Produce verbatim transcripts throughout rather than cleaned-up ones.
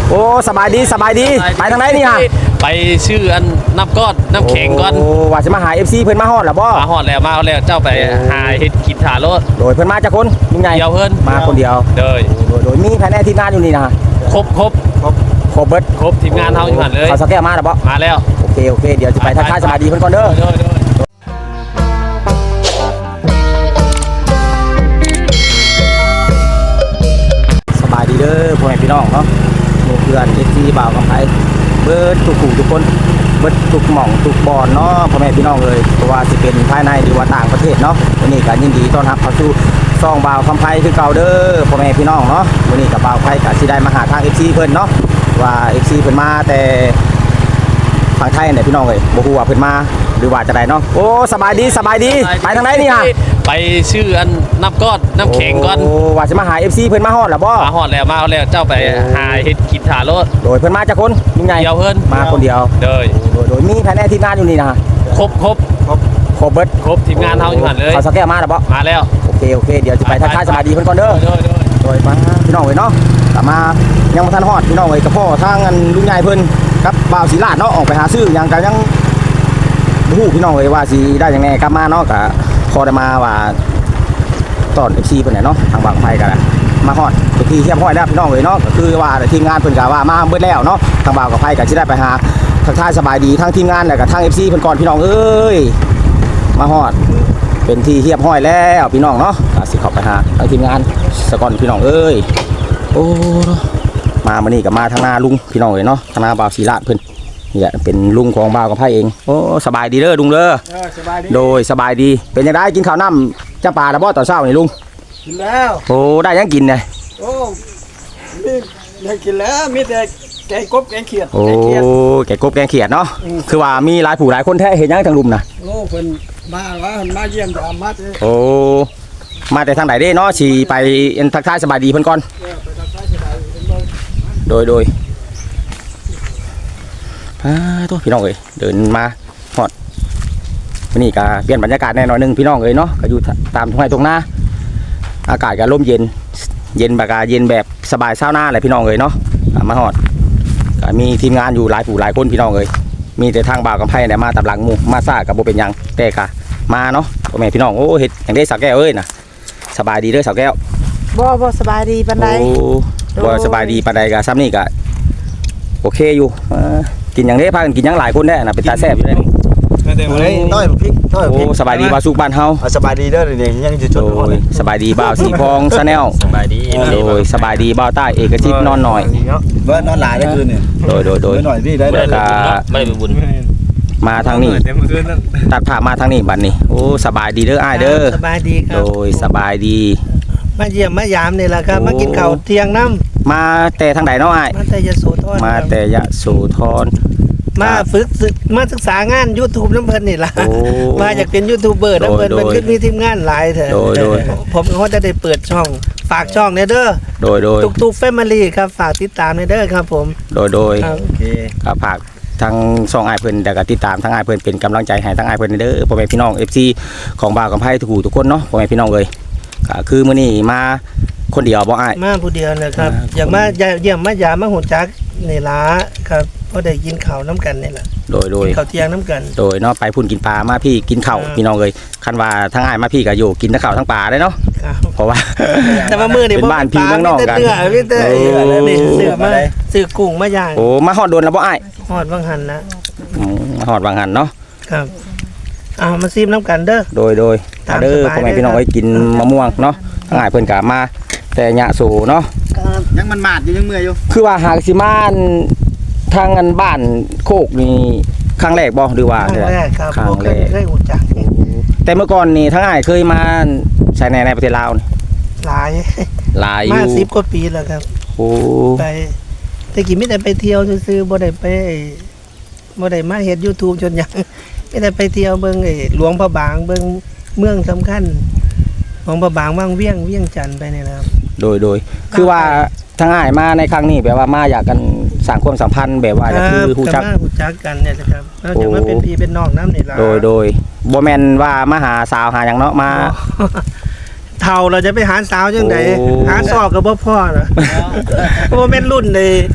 โอ้สบายดีสบายดีไปทางไหนนี่ฮะไปชื่ออันน้ำก้อนน้ำแข็งก้อนโอ้ว่าจะมาหา เอฟ ซี เพิ่นมาฮอดล่ะบ่มาฮอดแล้วมาแล้วเจ้าไปหาเฮ็ดกินถาโลดโดยเพิ่นมาจากคนยังไงเดียวเพิ่นมาคนเดียวโดยโดยมีภายในทีมงานอยู่นี่นะครบครบครบครบเบิดครบทีมงานเฮาอยู่หั่นเลยเขาสักแก้วมาล่ะบ่มาแล้วโอเคโอเคเดี๋ยวจะไปทักทายสบายดีเพิ่นก่อนเด้อสบายดีเด้อพ่อแม่พี่น้องเนาะหมู่เพื่อน เอฟ ซี บ่าวกำไผเบิดทุกผู้ทุกคนเบิดทุกหม่องทุกบอนเนาะพ่อแม่พี่น้องเลยเพราะว่าสิเป็นภายในหรือว่าต่างประเทศเนาะวันนี้ก็ยินดีต้อนรับเข้าสู่ซ่องบ่าวกำไผคือเก่าเด้อพ่อแม่พี่น้องเนาะวันนี้กับบ่าวไผก็สิได้มาหาทาง เอฟ ซี เพิ่นเนาะว่า เอฟ ซี เพิ่นมาแต่ฝั่งไทยเนี่ยพี่น้องเอ้ยบ่ฮู้ว่าเพิ่นมาหรือว่าจะได้เนาะโอ้สบายดีสบายดีไปทางไหนนี่ฮะไปชื่ออันน้ำก้อนน้ำแข็งก้อนโอ้ว่าจะมาหา เอฟ ซี เพิ่นมาฮอดล่ะบ่มาฮอดแล้วมาแล้วเจ้าไปหาเฮ็ดกินถาโลดโดยเพิ่นมาจากคนยังไงเดียวเพิ่นมาคนเดียวโดยโดยโดยมีภายในทีมงานอยู่นี่นะครบครบครบครบเบิดครบทีมงานเฮาอยู่หั่นเลยเขาสักแก้วมาล่ะบ่มาแล้วโอเคโอเคเดี๋ยวจะไปทักทายสบายดีเพิ่นก่อนเด้อโดยมาพี่น้องเอ้ยเนาะกลับมายังบ่ทันฮอดพี่น้องเอ้ยกับพ่อทางอันลุงใหญ่เพิ่นกับบ่าวศรีลาดเนาะออกไปหาซื้อหยังก็ยังบ่ฮู้พี่น้องเอ้ยว่าสิได้จังได๋กลับมาเนาะก็พอได้มาว่าตอน เอฟ ซี เพิ่นน่ะเนาะทางบางไผก็มาฮอดไปที่เรียบร้อยแล้วพี่น้องเอ้ยเนาะก็คือว่าทีมงานเพิ่นก็ว่ามาเบิดแล้วเนาะทางบ่าวกับไผก็สิได้ไปหาทักทายสบายดีทั้งทีมงานแล้วก็ทาง เอฟ ซี เพิ่นก่อนพี่น้องเอ้ยมาฮอดเป็นที่เรียบร้อยแล้วพี่น้องเนาะก็สิเข้าไปหาทางทีมงานซะก่อนพี่น้องเอ้ยโอ้มามื้อนี้ก็มาทางหน้าลุงพี่น้องเอ้ยเนาะทางหน้าบ่าวศรีลาดเพิ่นนี่แหละเป็นลุงของบ่าวกับไผเองโอ้สบายดีเด้อลุงเด้อโดยสบายดีเป็นจังได๋กินข้าวน้ำจ้าปลาแล้วบ่ตอนเช้านี่ลุงกินแล้วโอ้ได้ยังกินเนี่ยโอ้มีได้กินแล้วมีแต่แกงกบแกงเขียดโอ้แกงกบแกงเขียดเนาะคือว่ามีหลายผู้หลายคนแท้เห็นยังทางลุมนะโอ้เพิ่นมาว่าเพิ่นมาเยี่ยมจะอามาเด้โอ้มาแต่ทางไหนเด้เนาะสิไปทักทายสบายดีเพิ่นก่อนโดยโดยอ่าตัวพี่น้องเอ้ยเดินมาฮอดวันนี้ก็เปลี่ยนบรรยากาศแน่นอนนึงพี่น้องเอ้ยเนาะก็อยู่ตามทุ่งไร่ทุ่งนาอากาศก็ร่มเย็นเย็นแบบกาเย็นแบบสบายเช้าหน้าเลยพี่น้องเอ้ยเนาะมาฮอดก็มีทีมงานอยู่หลายผู้หลายคนพี่น้องเอ้ยมีแต่ทางบ่าวกับไผ่เนี่ยมาตับหลังหมู่มาซ่ากับโบเป็นยังแต่กะมาเนาะพ่อแม่พี่น้องโอ้เฮ็ดอย่างได้สาวแก้วเอ้ยนะสบายดีเด้อสาวแก้วบ่บ่สบายดีปานใดโอ้บ่สบายดีปานใดกะซ้ำนี่กะโอเคอยู่กินอย่างได้พากันกินอย่างหลายคนได้นะเป็นตาแซ่บอยู่ได้เดี๋ยวเลยต้อยพริกต้อยพริกโอ้สบายดีบ่าวสุกบ้านเฮาสบายดีเด้อนี่ยังจะจดโอ้ยสบายดีบ่าวสีพองชาแนลสบายดีโดยสบายดีบ่าวใต้เอกชิตนอนหน่อยเบิดนอนหลายได้คืนนี่โดยโดยโดยหน่อยพี่ได้ได้ไม่ได้เป็นบุญมาทางนี้ตัดผ่ามาทางนี้บัดนี้โอ้สบายดีเด้ออ้ายเด้อสบายดีครับโดยสบายดีมาเยี่ยมมายามนี่แหละครับมากินข้าวเที่ยงน้ำมาแต่ทางใดเนาะอ้ายมาแต่ยโสธรมาแต่ยโสธรมาฝึกมาศึกษางาน YouTube น้ำเพิ่นนี่ล่ะมาอยากเป็นยูทูบเบอร์น้ำเพิ่นมันขึ้นมีทีมงานหลายเถอะผมก็จะได้เปิดช่องฝากช่องเนี่ยเด้อโดยโดยตุกตุกแฟมิลี่ครับฝากติดตามเนี่ยเด้อครับผมโดยโดยโอเคครับฝากทางช่องอ้ายเพิ่นแต่ก็ติดตามทางอ้ายเพิ่นเป็นกำลังใจให้ทางอ้ายเพิ่นเด้อพ่อแม่พี่น้อง เอฟ ซี ของบ่าวกับไผ่ทุกผู้ทุกคนเนาะพ่อแม่พี่น้องเอ้ยก็คือมื้อนี้มาคนเดียวบ่อ้ายมาผู้เดียวนะครับอยากมาเยี่ยมมายามมาหูจักนี่ล่ะครับพอได้กินข้าวน้ำกันนี่แหละโดยโดยข้าวเที่ยงน้ำกันโดยเนาะไปพุ่นกินปลามาพี่กินข้าวพี่น้องเลยคันว่าทั้งอ้ายมาพี่ก็อยู่กินทั้งข้าวทั้งปลาได้เนาะเพราะว่าแต่ว่ามื้อนี่เป็นบ้านพี่เมืองนอกกันเนื้อพี่เต้นี่ซื้อมาซื้อกุ้งมาย่างโอ้มาฮอดโดนแล้วบ่อ้ายฮอดบางหันนะอืมฮอดบางหันเนาะครับเอามาซิมน้ำกันเด้อโดยโดยถ้าเด้อพ่อแม่พี่น้องเอ้ยกินมะม่วงเนาะทั้งอ้ายเพิ่นก็มาแต่ยะโสเนาะยังมันมาดอยู่ยังเมื่อยอยู่คือว่าหากสิมาทางอันบ้านโคกนี่ครั้งแรกบ่หรือว่าครั้งแรกครับครั้งแรกได้หูจักแต่เมื่อก่อนนี่ทั้งอ้ายเคยมาใช้ในในประเทศลาวนี่หลายหลายอยู่มาสิบกว่าปีแล้วครับโอ้ไปแต่กี้ไม่ได้ไปเที่ยวซื่อๆบ่ได้ไปบ่ได้มาเฮ็ด YouTube จนหยังไม่ได้ไปเที่ยวเบิ่งไอ้หลวงพระบางเบิ่งเมืองสำคัญหลวงพระบางวังเวียงเวียงจันทน์ไปนี่นะครับโดยโดยคือว่าทั้งอ้ายมาในครั้งนี้แบบว่ามาอยากกันสร้างความสัมพันธ์แบบว่าจะคือฮู้จักฮู้จักกันเนี่ยนะครับแล้วจะมาเป็นพี่เป็นน้องนำนี่ล่ะโดยโดยบ่แม่นว่ามาหาสาวหาหยังเนาะมาเฒ่าเราจะไปหาสาวจังได๋หาซอกก็บ่พอน่ะบ่แม่นรุ่นเลย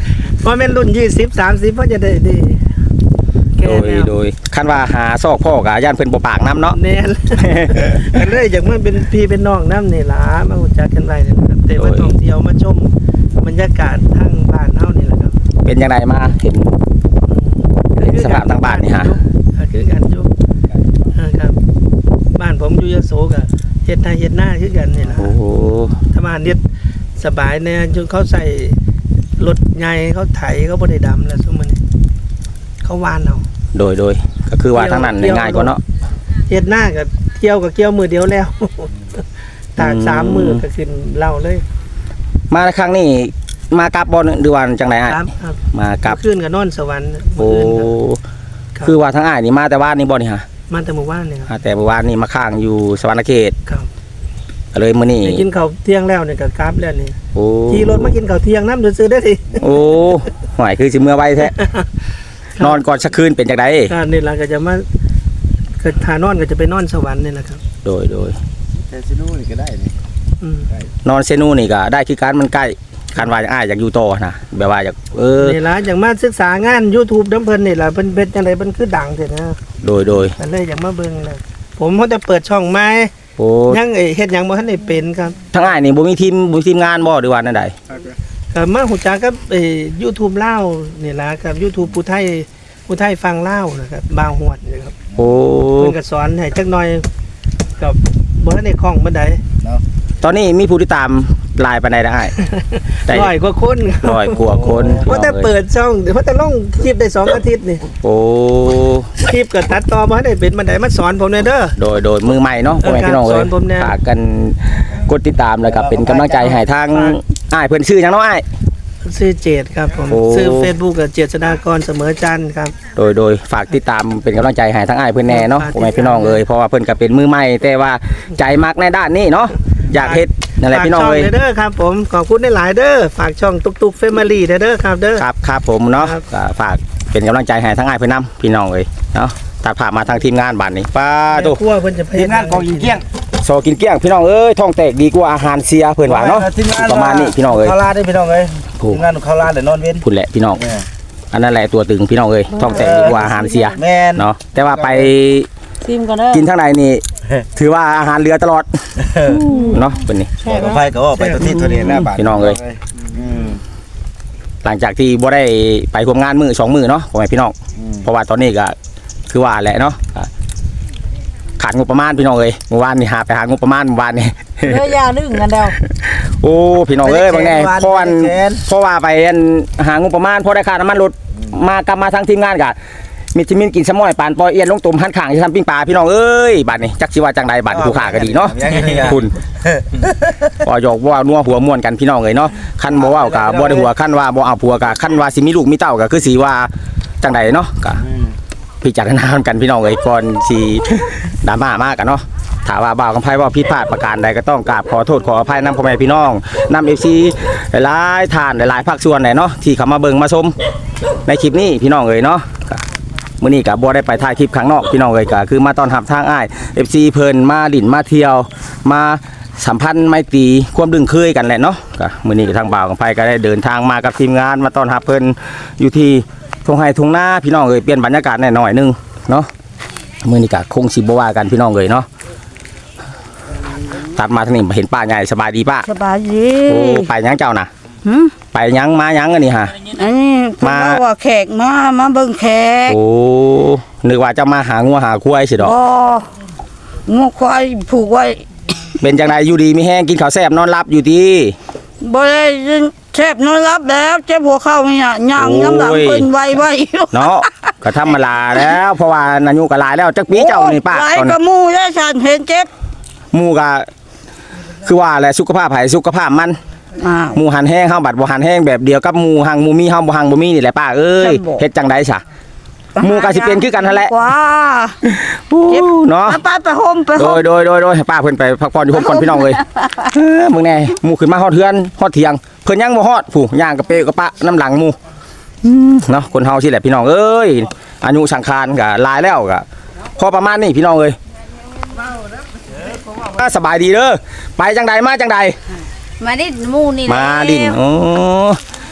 เพราะแม่นรุ่นยี่สิบ สามสิบเพิ่นจะได้ดีแก่โดยแล้วโดยคันว่าหาซอกพ่อกะย่านเพิ่นบ่ปากน้ำเนาะแน่น กันเลยจากมันเป็นพี่เป็นน้องน้ำนี่ล่ะมารู้จักกันไว้นี่นะครับแต่ว่าท่องเที่ยวมาชมบรรยากาศทางบ้านเฮานี่แหละครับเป็นจังไดมาเห็น สภาพทางบ้านนี่ฮะอ่าคือกันจุอ่าครับ บ้านผมอยู่ยโสก็เฮ็ดนาเฮ็ดหน้าคือกันนี่ล่ะโอ้โหถ้าบ้านเฮ็ดสบายแน่จนเขาใส่รถใหญ่เขาไถเขาบ่ได้ดำแล้วซุมื้อนี้เขาหวานเอาโดยโดยก็คือว่าทางนั้นง่ายกว่าเนาะเฮ็ดหน้าก็เกี่ยวก็เกี่ยวมือเดียวแล้ว ตากอืมสามมือก็ขึ้นเหล่าเลยมาครั้งนี้มากลับบ่หรือว่าจังไดอ้ายครับครับมากลับขึ้นกับนอนสวรรค์โอ้มื้ออื่นครับคือว่าทางอ้ายนี่มาแต่ว่านนี่บ่นี่ฮะมาแต่หมู่บ้านนี่ครับอ่าแต่เมื่อวานนี่มาค้างอยู่สวรรณเขตครับก็เลยมื้อนี้ได้กินข้าวเที่ยงแล้วเนี่ยก็กลับแล้วนี่โอ้ขี่รถมากินข้าวเที่ยงน้ำซื้อๆได้ดิโอ้หวยคือสิเมื่อไวแท้ นอนก่อนสักคืนเป็นจังไดก็นี่ล่ะก็จะมาก็ทานอนก็จะไปนอนสวรรค์นี่แหละครับโดยโดยแต่ซิโน่นี่ก็ได้นี่อืมนอนเซนูนี่ก็ได้คือการมันใกล้คันว่าอยากอ้ายอยากอยู่ต่อนะแบบว่าอยากเออนี่ล่ะอย่างมาศึกษางาน YouTube น้ำเพิ่นนี่ล่ะเพิ่นเป็นจังไดเพิ่นคือดังเด้นะโดยโดยก็เลยอยากมาเบิ่งนะผมเขาจะเปิดช่องใหม่โอ้ยังเอ้ยเฮ็ดหยังบ่ทันได้เป็นครับทางอ้ายนี่บ่มีทีมบ่มีทีมงานบ่หรือว่านั่นใดก็มาฮู้จักกับเอ่อ YouTube ลาวนี่ล่ะกับ YouTube ผู้ไทยผู้ไทยฟังลาวนะครับบาวฮวดนี่ครับโอ้เพิ่นก็สอนให้จักหน่อยกับบ่ทันได้คล่องปานใดตอนนี้มีผู้ติดตามหลายปานใดนะอ้าย ได้ร้อยกว่าคนครับร้อยกว่าคนเพราะแต่เปิดช่องเดี๋ยวเพราะแต่ลงคลิปได้สองอาทิตย์นี่โอ้คลิปก็ตัดต่อบ่ทันได้เป็นปานใดมาสอนผมหน่อยเด้อโดยโดยมือใหม่เนาะพ่อแม่พี่น้องสเอ้อย นผมแน่ฝากกันกดติดตามแล้วก็เป็นกำลังใจให้ทางอ้ายเพิ่นชื่อหยังเนาะอ้ายชื่อเจดครับผมโอ้ชื่อ Facebook ก็เจษฎากรเสมอจันทร์ครับโดยโดยฝากติดตามเป็นกำลังใจให้ทั้งอ้ายเพื่อนแน่เนาะฝากติดพ่อแม่พี่น้องเอ้ยเพราะว่าเพิ่นก็เป็นมือใหม่แต่ว่าใจมักในด้านนี้เนาะอยากเฮ็ดนั่นแหละพี่น้องฝากช่เอ้ยเด้อครับผมขอบคุณหลายๆเด้อฝากช่องตุกตุกเฟมิลี่เด้อครับเด้อครับครับผมเนาะครับก็ฝากเป็นกำลังใจให้ทั้งอ้ายเพื่อนนํพี่น้องเอ้ยเนาะตัดผ่ามาทางทีมงานบ้านนี้ป้าแม่ตุครัวเพิ่นจะไปทีมงานของยิงเกี้ยงโซกินเกลี้ยงพี่น้องเอ้ยท้องแตกดีกว่าอาหารเสียเพิ่นว่าเนาะทีมงานประมาณนี้พี่น้องเอ้ยข้าวราดได้พี่น้องเอ้ยถูกทีมงานของข้าวราดเดี๋ยวนอนเว้นพุ่นแหละพี่น้องแม่อันนั้นแหละตัวตึงพี่น้องเอ้ยท้องแตกดีกว่าอาหารเสียแม่นเนาะแต่ว่าไปซิมก่อนเด้อกินทางในนี่ถือว่าอาหารเรือตลอดเนาะเป็นนี่แม่ก็ไปก็ออกไปตัวที่ตัวนี้หน้าบ้านพี่น้องเอ้ยอืมหลังจากที่บ่ได้ไปร่วมงานมือสองมือเนาะพ่อแม่พี่น้องอืมเพราะว่าตอนนี้ก็คือว่าแหละเนาะก็ขาดงบประมาณพี่น้องเอ้ยเมื่อวานนี่หาไปหางบประมาณเมื่อวานนี่เด้อยาดึงกันเด้อโอ้พี่น้องเอ้ยบางแน่ไม่ได้แสนเพราะวันไม่ได้แสนเพราะว่าไปอันหางบประมาณพอได้ค่าน้ำมันรถมากลับมาทางทีมงานก็มิตรมินกินสมอยปานปอยเอียนลงตุ่มหันข้างจะทำปิ้งปลาพี่น้องเอ้ยบัดนี้จักสิว่าจังใดบัดผู้ขาก็ดีเนาะยังไงเนี่ยคุณว่าหยอกว่านัวหัวม่วนกันพี่น้องเอ้ยเนาะคันบ่เว้าก็บ่ได้หัวคันว่าบ่เอาผัวก็คันว่าสิมีลูกมีเต้าก็คือสิว่าจังใดเนาะก็อืมพิจารณากันพี่น้องเอ้ยก่อนสิดราม่ามากกันเนาะถ้าว่าบ่าวกำไพว่าผิดพลาดประการใดก็ต้องกราบขอโทษขออภัยนำพ่อแม่พี่น้องนำ เอฟ ซี หลายๆท่านหลายๆภาคส่วนไหนเนาะที่เข้ามาเบิ่งมาชมในคลิปนี้พี่น้องเอ้ยเนาะก็มื้อนี้ก็บ่ได้ไปถ่ายคลิปข้างนอกพี่น้องเอ้ยก็คือมาต้อนรับทางอ้าย เอฟ ซี เพิ่นมาลิ้นมาเที่ยวมาสัมพันธ์ไมตรีความดึงเคยกันแหละเนาะก็มื้อนี้ก็ทางบ่าวกำไพก็ได้เดินทางมากับทีมงานมาต้อนรับเพิ่นอยู่ที่ทุ่งไร่ทุ่งนาพี่น้องเอ้ยเปลี่ยนบรรยากาศแหน่หน่อยนึงเนาะมื้อนี้ก็คงสิบ่ว่ากันพี่น้องเอ้ยเนาะตัดมาทางนี้เห็นป้าใหญ่สบายดีป้าสบายดีโอ้ไปยังเจ้าน่ะหึไปยังมายังอันนี้ฮะอันนี้เพิ่นมาบอกว่าแขกมามาเบิ่งแขกโอ้นึกว่าจะมาหางัวหาควายสิดอกบ่งูควายผูกไว้เป็นจังไดอยู่ดีมีแห้งกินข้าวแซ่บนอนหลับอยู่ดีบ่ได้ยินแทบนอนรับแล้วเจ็บหัวเข่าเนี่ยย่างน้ำหลังเพิ่นไวไว้เนาะก็ธรรมดาแล้วเพราะว่านายุก็หลายแล้วจักปีเจ้านี่ป้าหลายตอนกระมูได้ฉันเห็นเจ็บหมู่ก็คือว่าแหละสุขภาพไผสุขภาพมันอ้าวหมู่หันแห้งเฮาบัดบ่หันแห้งแบบเดียวกับหมู่หังหมู่มีเฮาบ่หังบ่มีนี่แหละป้าเอ้ยฉันบอกเฮ็ดจังได๋ซะ หมู่ก็สิเป็นคือกันนั่นแหละกว่าเนาะไปไปไปโฮมไปโฮโดมยโดยโดยโดยให้ป้าเพิ่นไปพักผ่อนอยู่ผมก่อนพี่น้องเอ้ยเออมึงแน่หมู่ขึ้นมาฮอดเทือนฮอดเที่ยงเพิ่นยังบ่ฮอดผู้ย่างกระเปกระปะน้ำหลังหมู่อืมเนาะคนเฮาสิแหละพี่น้องเอ้ยอายุสังขารก็หลายแล้วก็พอประมาณนี้พี่น้องเอ้ยอ่าสบายดีเด้อไปจังใดมาจังใดมาดิหมู่นี่มาดินโอ้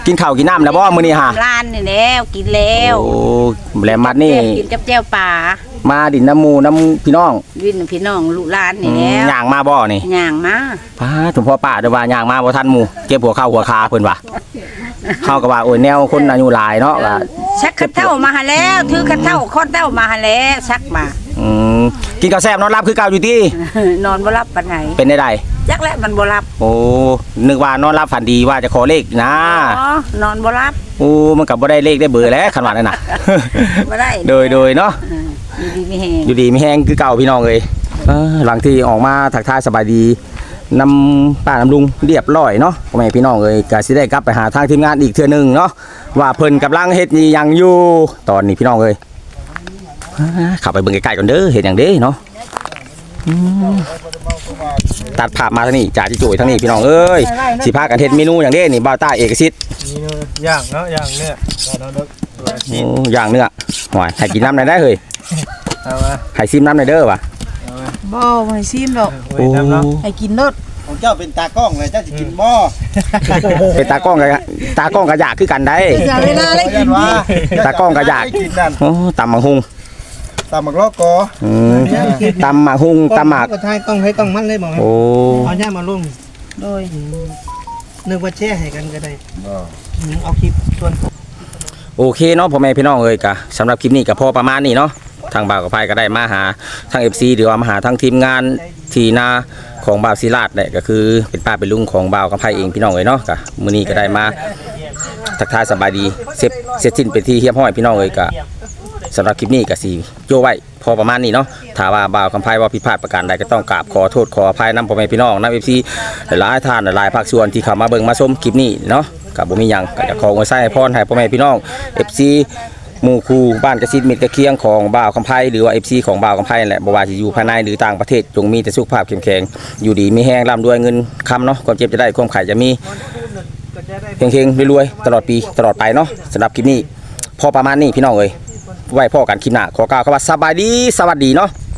กินข้าวกินน้ำแล้วบ่มื้อนี้ฮะร้านนี่แล้วกินแล้วโอ้แหลมมัดนี่กินกับแจ่วป่ามาดินน้ำหมูน้ำพี่น้องวินพี่น้องลูกหลานนี่แล้วย่างมาบ่นี่ย่างมาป้าถุงพ่อป้าเด้อว่าย่างมาบ่ทันหมู่เก็บหัวเข้าหัวคาเพิ่นว่าเฮาก็ว่าโอ้ยแนวคนอายุหลายเนาะว่าชักคัดเท่ามาหาแล้วถือคัดเท่าคอนเท่ามาหาแล้วชักมาอืมกินข้าวแซ่บนอนรับคือเก่าอยู่ตินอนบ่หลับปานไหนเป็นได้ใดจักและมันบ่หลับโอ้นึกว่านอนรับฝันดีว่าจะขอเลขนะอ๋อนอนบ่หลับโอ้มันก็บ่ได้เลขได้เบอร์แล้วคันว่านั่นน่ะบ่ได้โดยโดยเนาะเอออยู่ดีมีแฮงอยู่ดีมีแห้งคือเก่าพี่น้องเลยเออหลังที่ออกมาทักทายสบายดีนำป้านำลุงเรียบร้อยเนาะพ่อแม่พี่น้องเลยก็สิได้กลับไปหาทางทีมงานอีกเทื่อหนึงเนาะว่าเพิ่นกำลังเฮ็ดอีหยังอยู่ตอนนี้พี่น้องเลยอ่าเข้าไปเบิ่งใกล้ๆก่อนเด้อเฮ็ดหยังเด้เนาะอืมตัดภาพมาทางนี้จ่าจิจุยทางนี้พี่น้องเอ้ยสิพากันเฮ็ดเมนูหยังเด้นี่บ่าวต้าเอกสิทธิ์นี่ย่างเนาะย่างเนี่ยเราเลิกโอ้ย่างเนื้อหอยให้กินน้ำหน่อยได้เฮ้ยเอามาให้ซิมน้ำหน่อยเด้อว่ะบ่บ่ให้ซิมดอกโอ้ยน้ำเนาะให้กินรสของเจ้าเป็นตากล้องเลยเจ้าจะกินหม้อเป็นตากล้องกับตากล้องกับอยากคือกันได้อย่าเวลาเลยกินว่าตากล้องก็อยากกินนั่นโอ้ตำหมักฮุงตำหมักลอกกออืมตำหมักฮุงตำหมักก็ทายต้องให้ต้องมันเลยบอกให้โอ้เอาย่ามาลงโดยนึกว่าแช่ให้กันก็ได้อืมเอาคลิปส่วนโอเคเนาะพ่อแม่พี่น้องเอ้ยกะสำหรับคลิปนี้ก็พอประมาณนี้เนาะทางบ่าวกับไพก็ได้มาหาทาง เอฟ ซี หรือว่ามาหาทางทีมงานทีนาของบ่าวศิลาดเนี่ยก็คือเป็นป้าเป็นลุงของบ่าวกับไพเองพี่น้องเอ้ยเนาะกะมื้อนี้ก็ได้มาทักทายสบายดีเสร็จเสร็จสิ้นเป็นที่เรียบร้อยพี่น้องเอ้ยกะสำหรับคลิปนี้ก็สิโยไว้พอประมาณนี้เนาะถ้าว่าบ่าวกับไพว่าผิดพลาดประการใดก็ต้องกราบขอโทษขออภัยนำพ่อแม่พี่น้องนำ เอฟ ซี หลายๆท่านหลายๆภาคส่วนที่เข้ามาเบิ่งมาชมคลิปนี้เนาะก็บ่มีหยังก็จะขออวยไส้พรให้พ่อแม่พี่น้อง เอฟ ซี หมู่คู่บ้านกระซิดมิตรกระเคียงของบ่าวคำไพหรือว่า เอฟ ซี ของบ่าวคำไพนั่นแหละบ่ว่าสิอยู่ภายในหรือต่างประเทศจงมีแต่สุขภาพเข้มแข็งอยู่ดีมีแห้งร่ำรวยเงินคำเนาะความเจ็บจะได้ความไข่จะมีเฮงๆรวยๆตลอดปีตลอดไปเนาะสำหรับคลิปนี้พอประมาณนี้พี่น้องเอ้ยไว้พ่อกันคลิปหน้าขอกล่าวคำว่าสบายดีสวัสดีเนาะ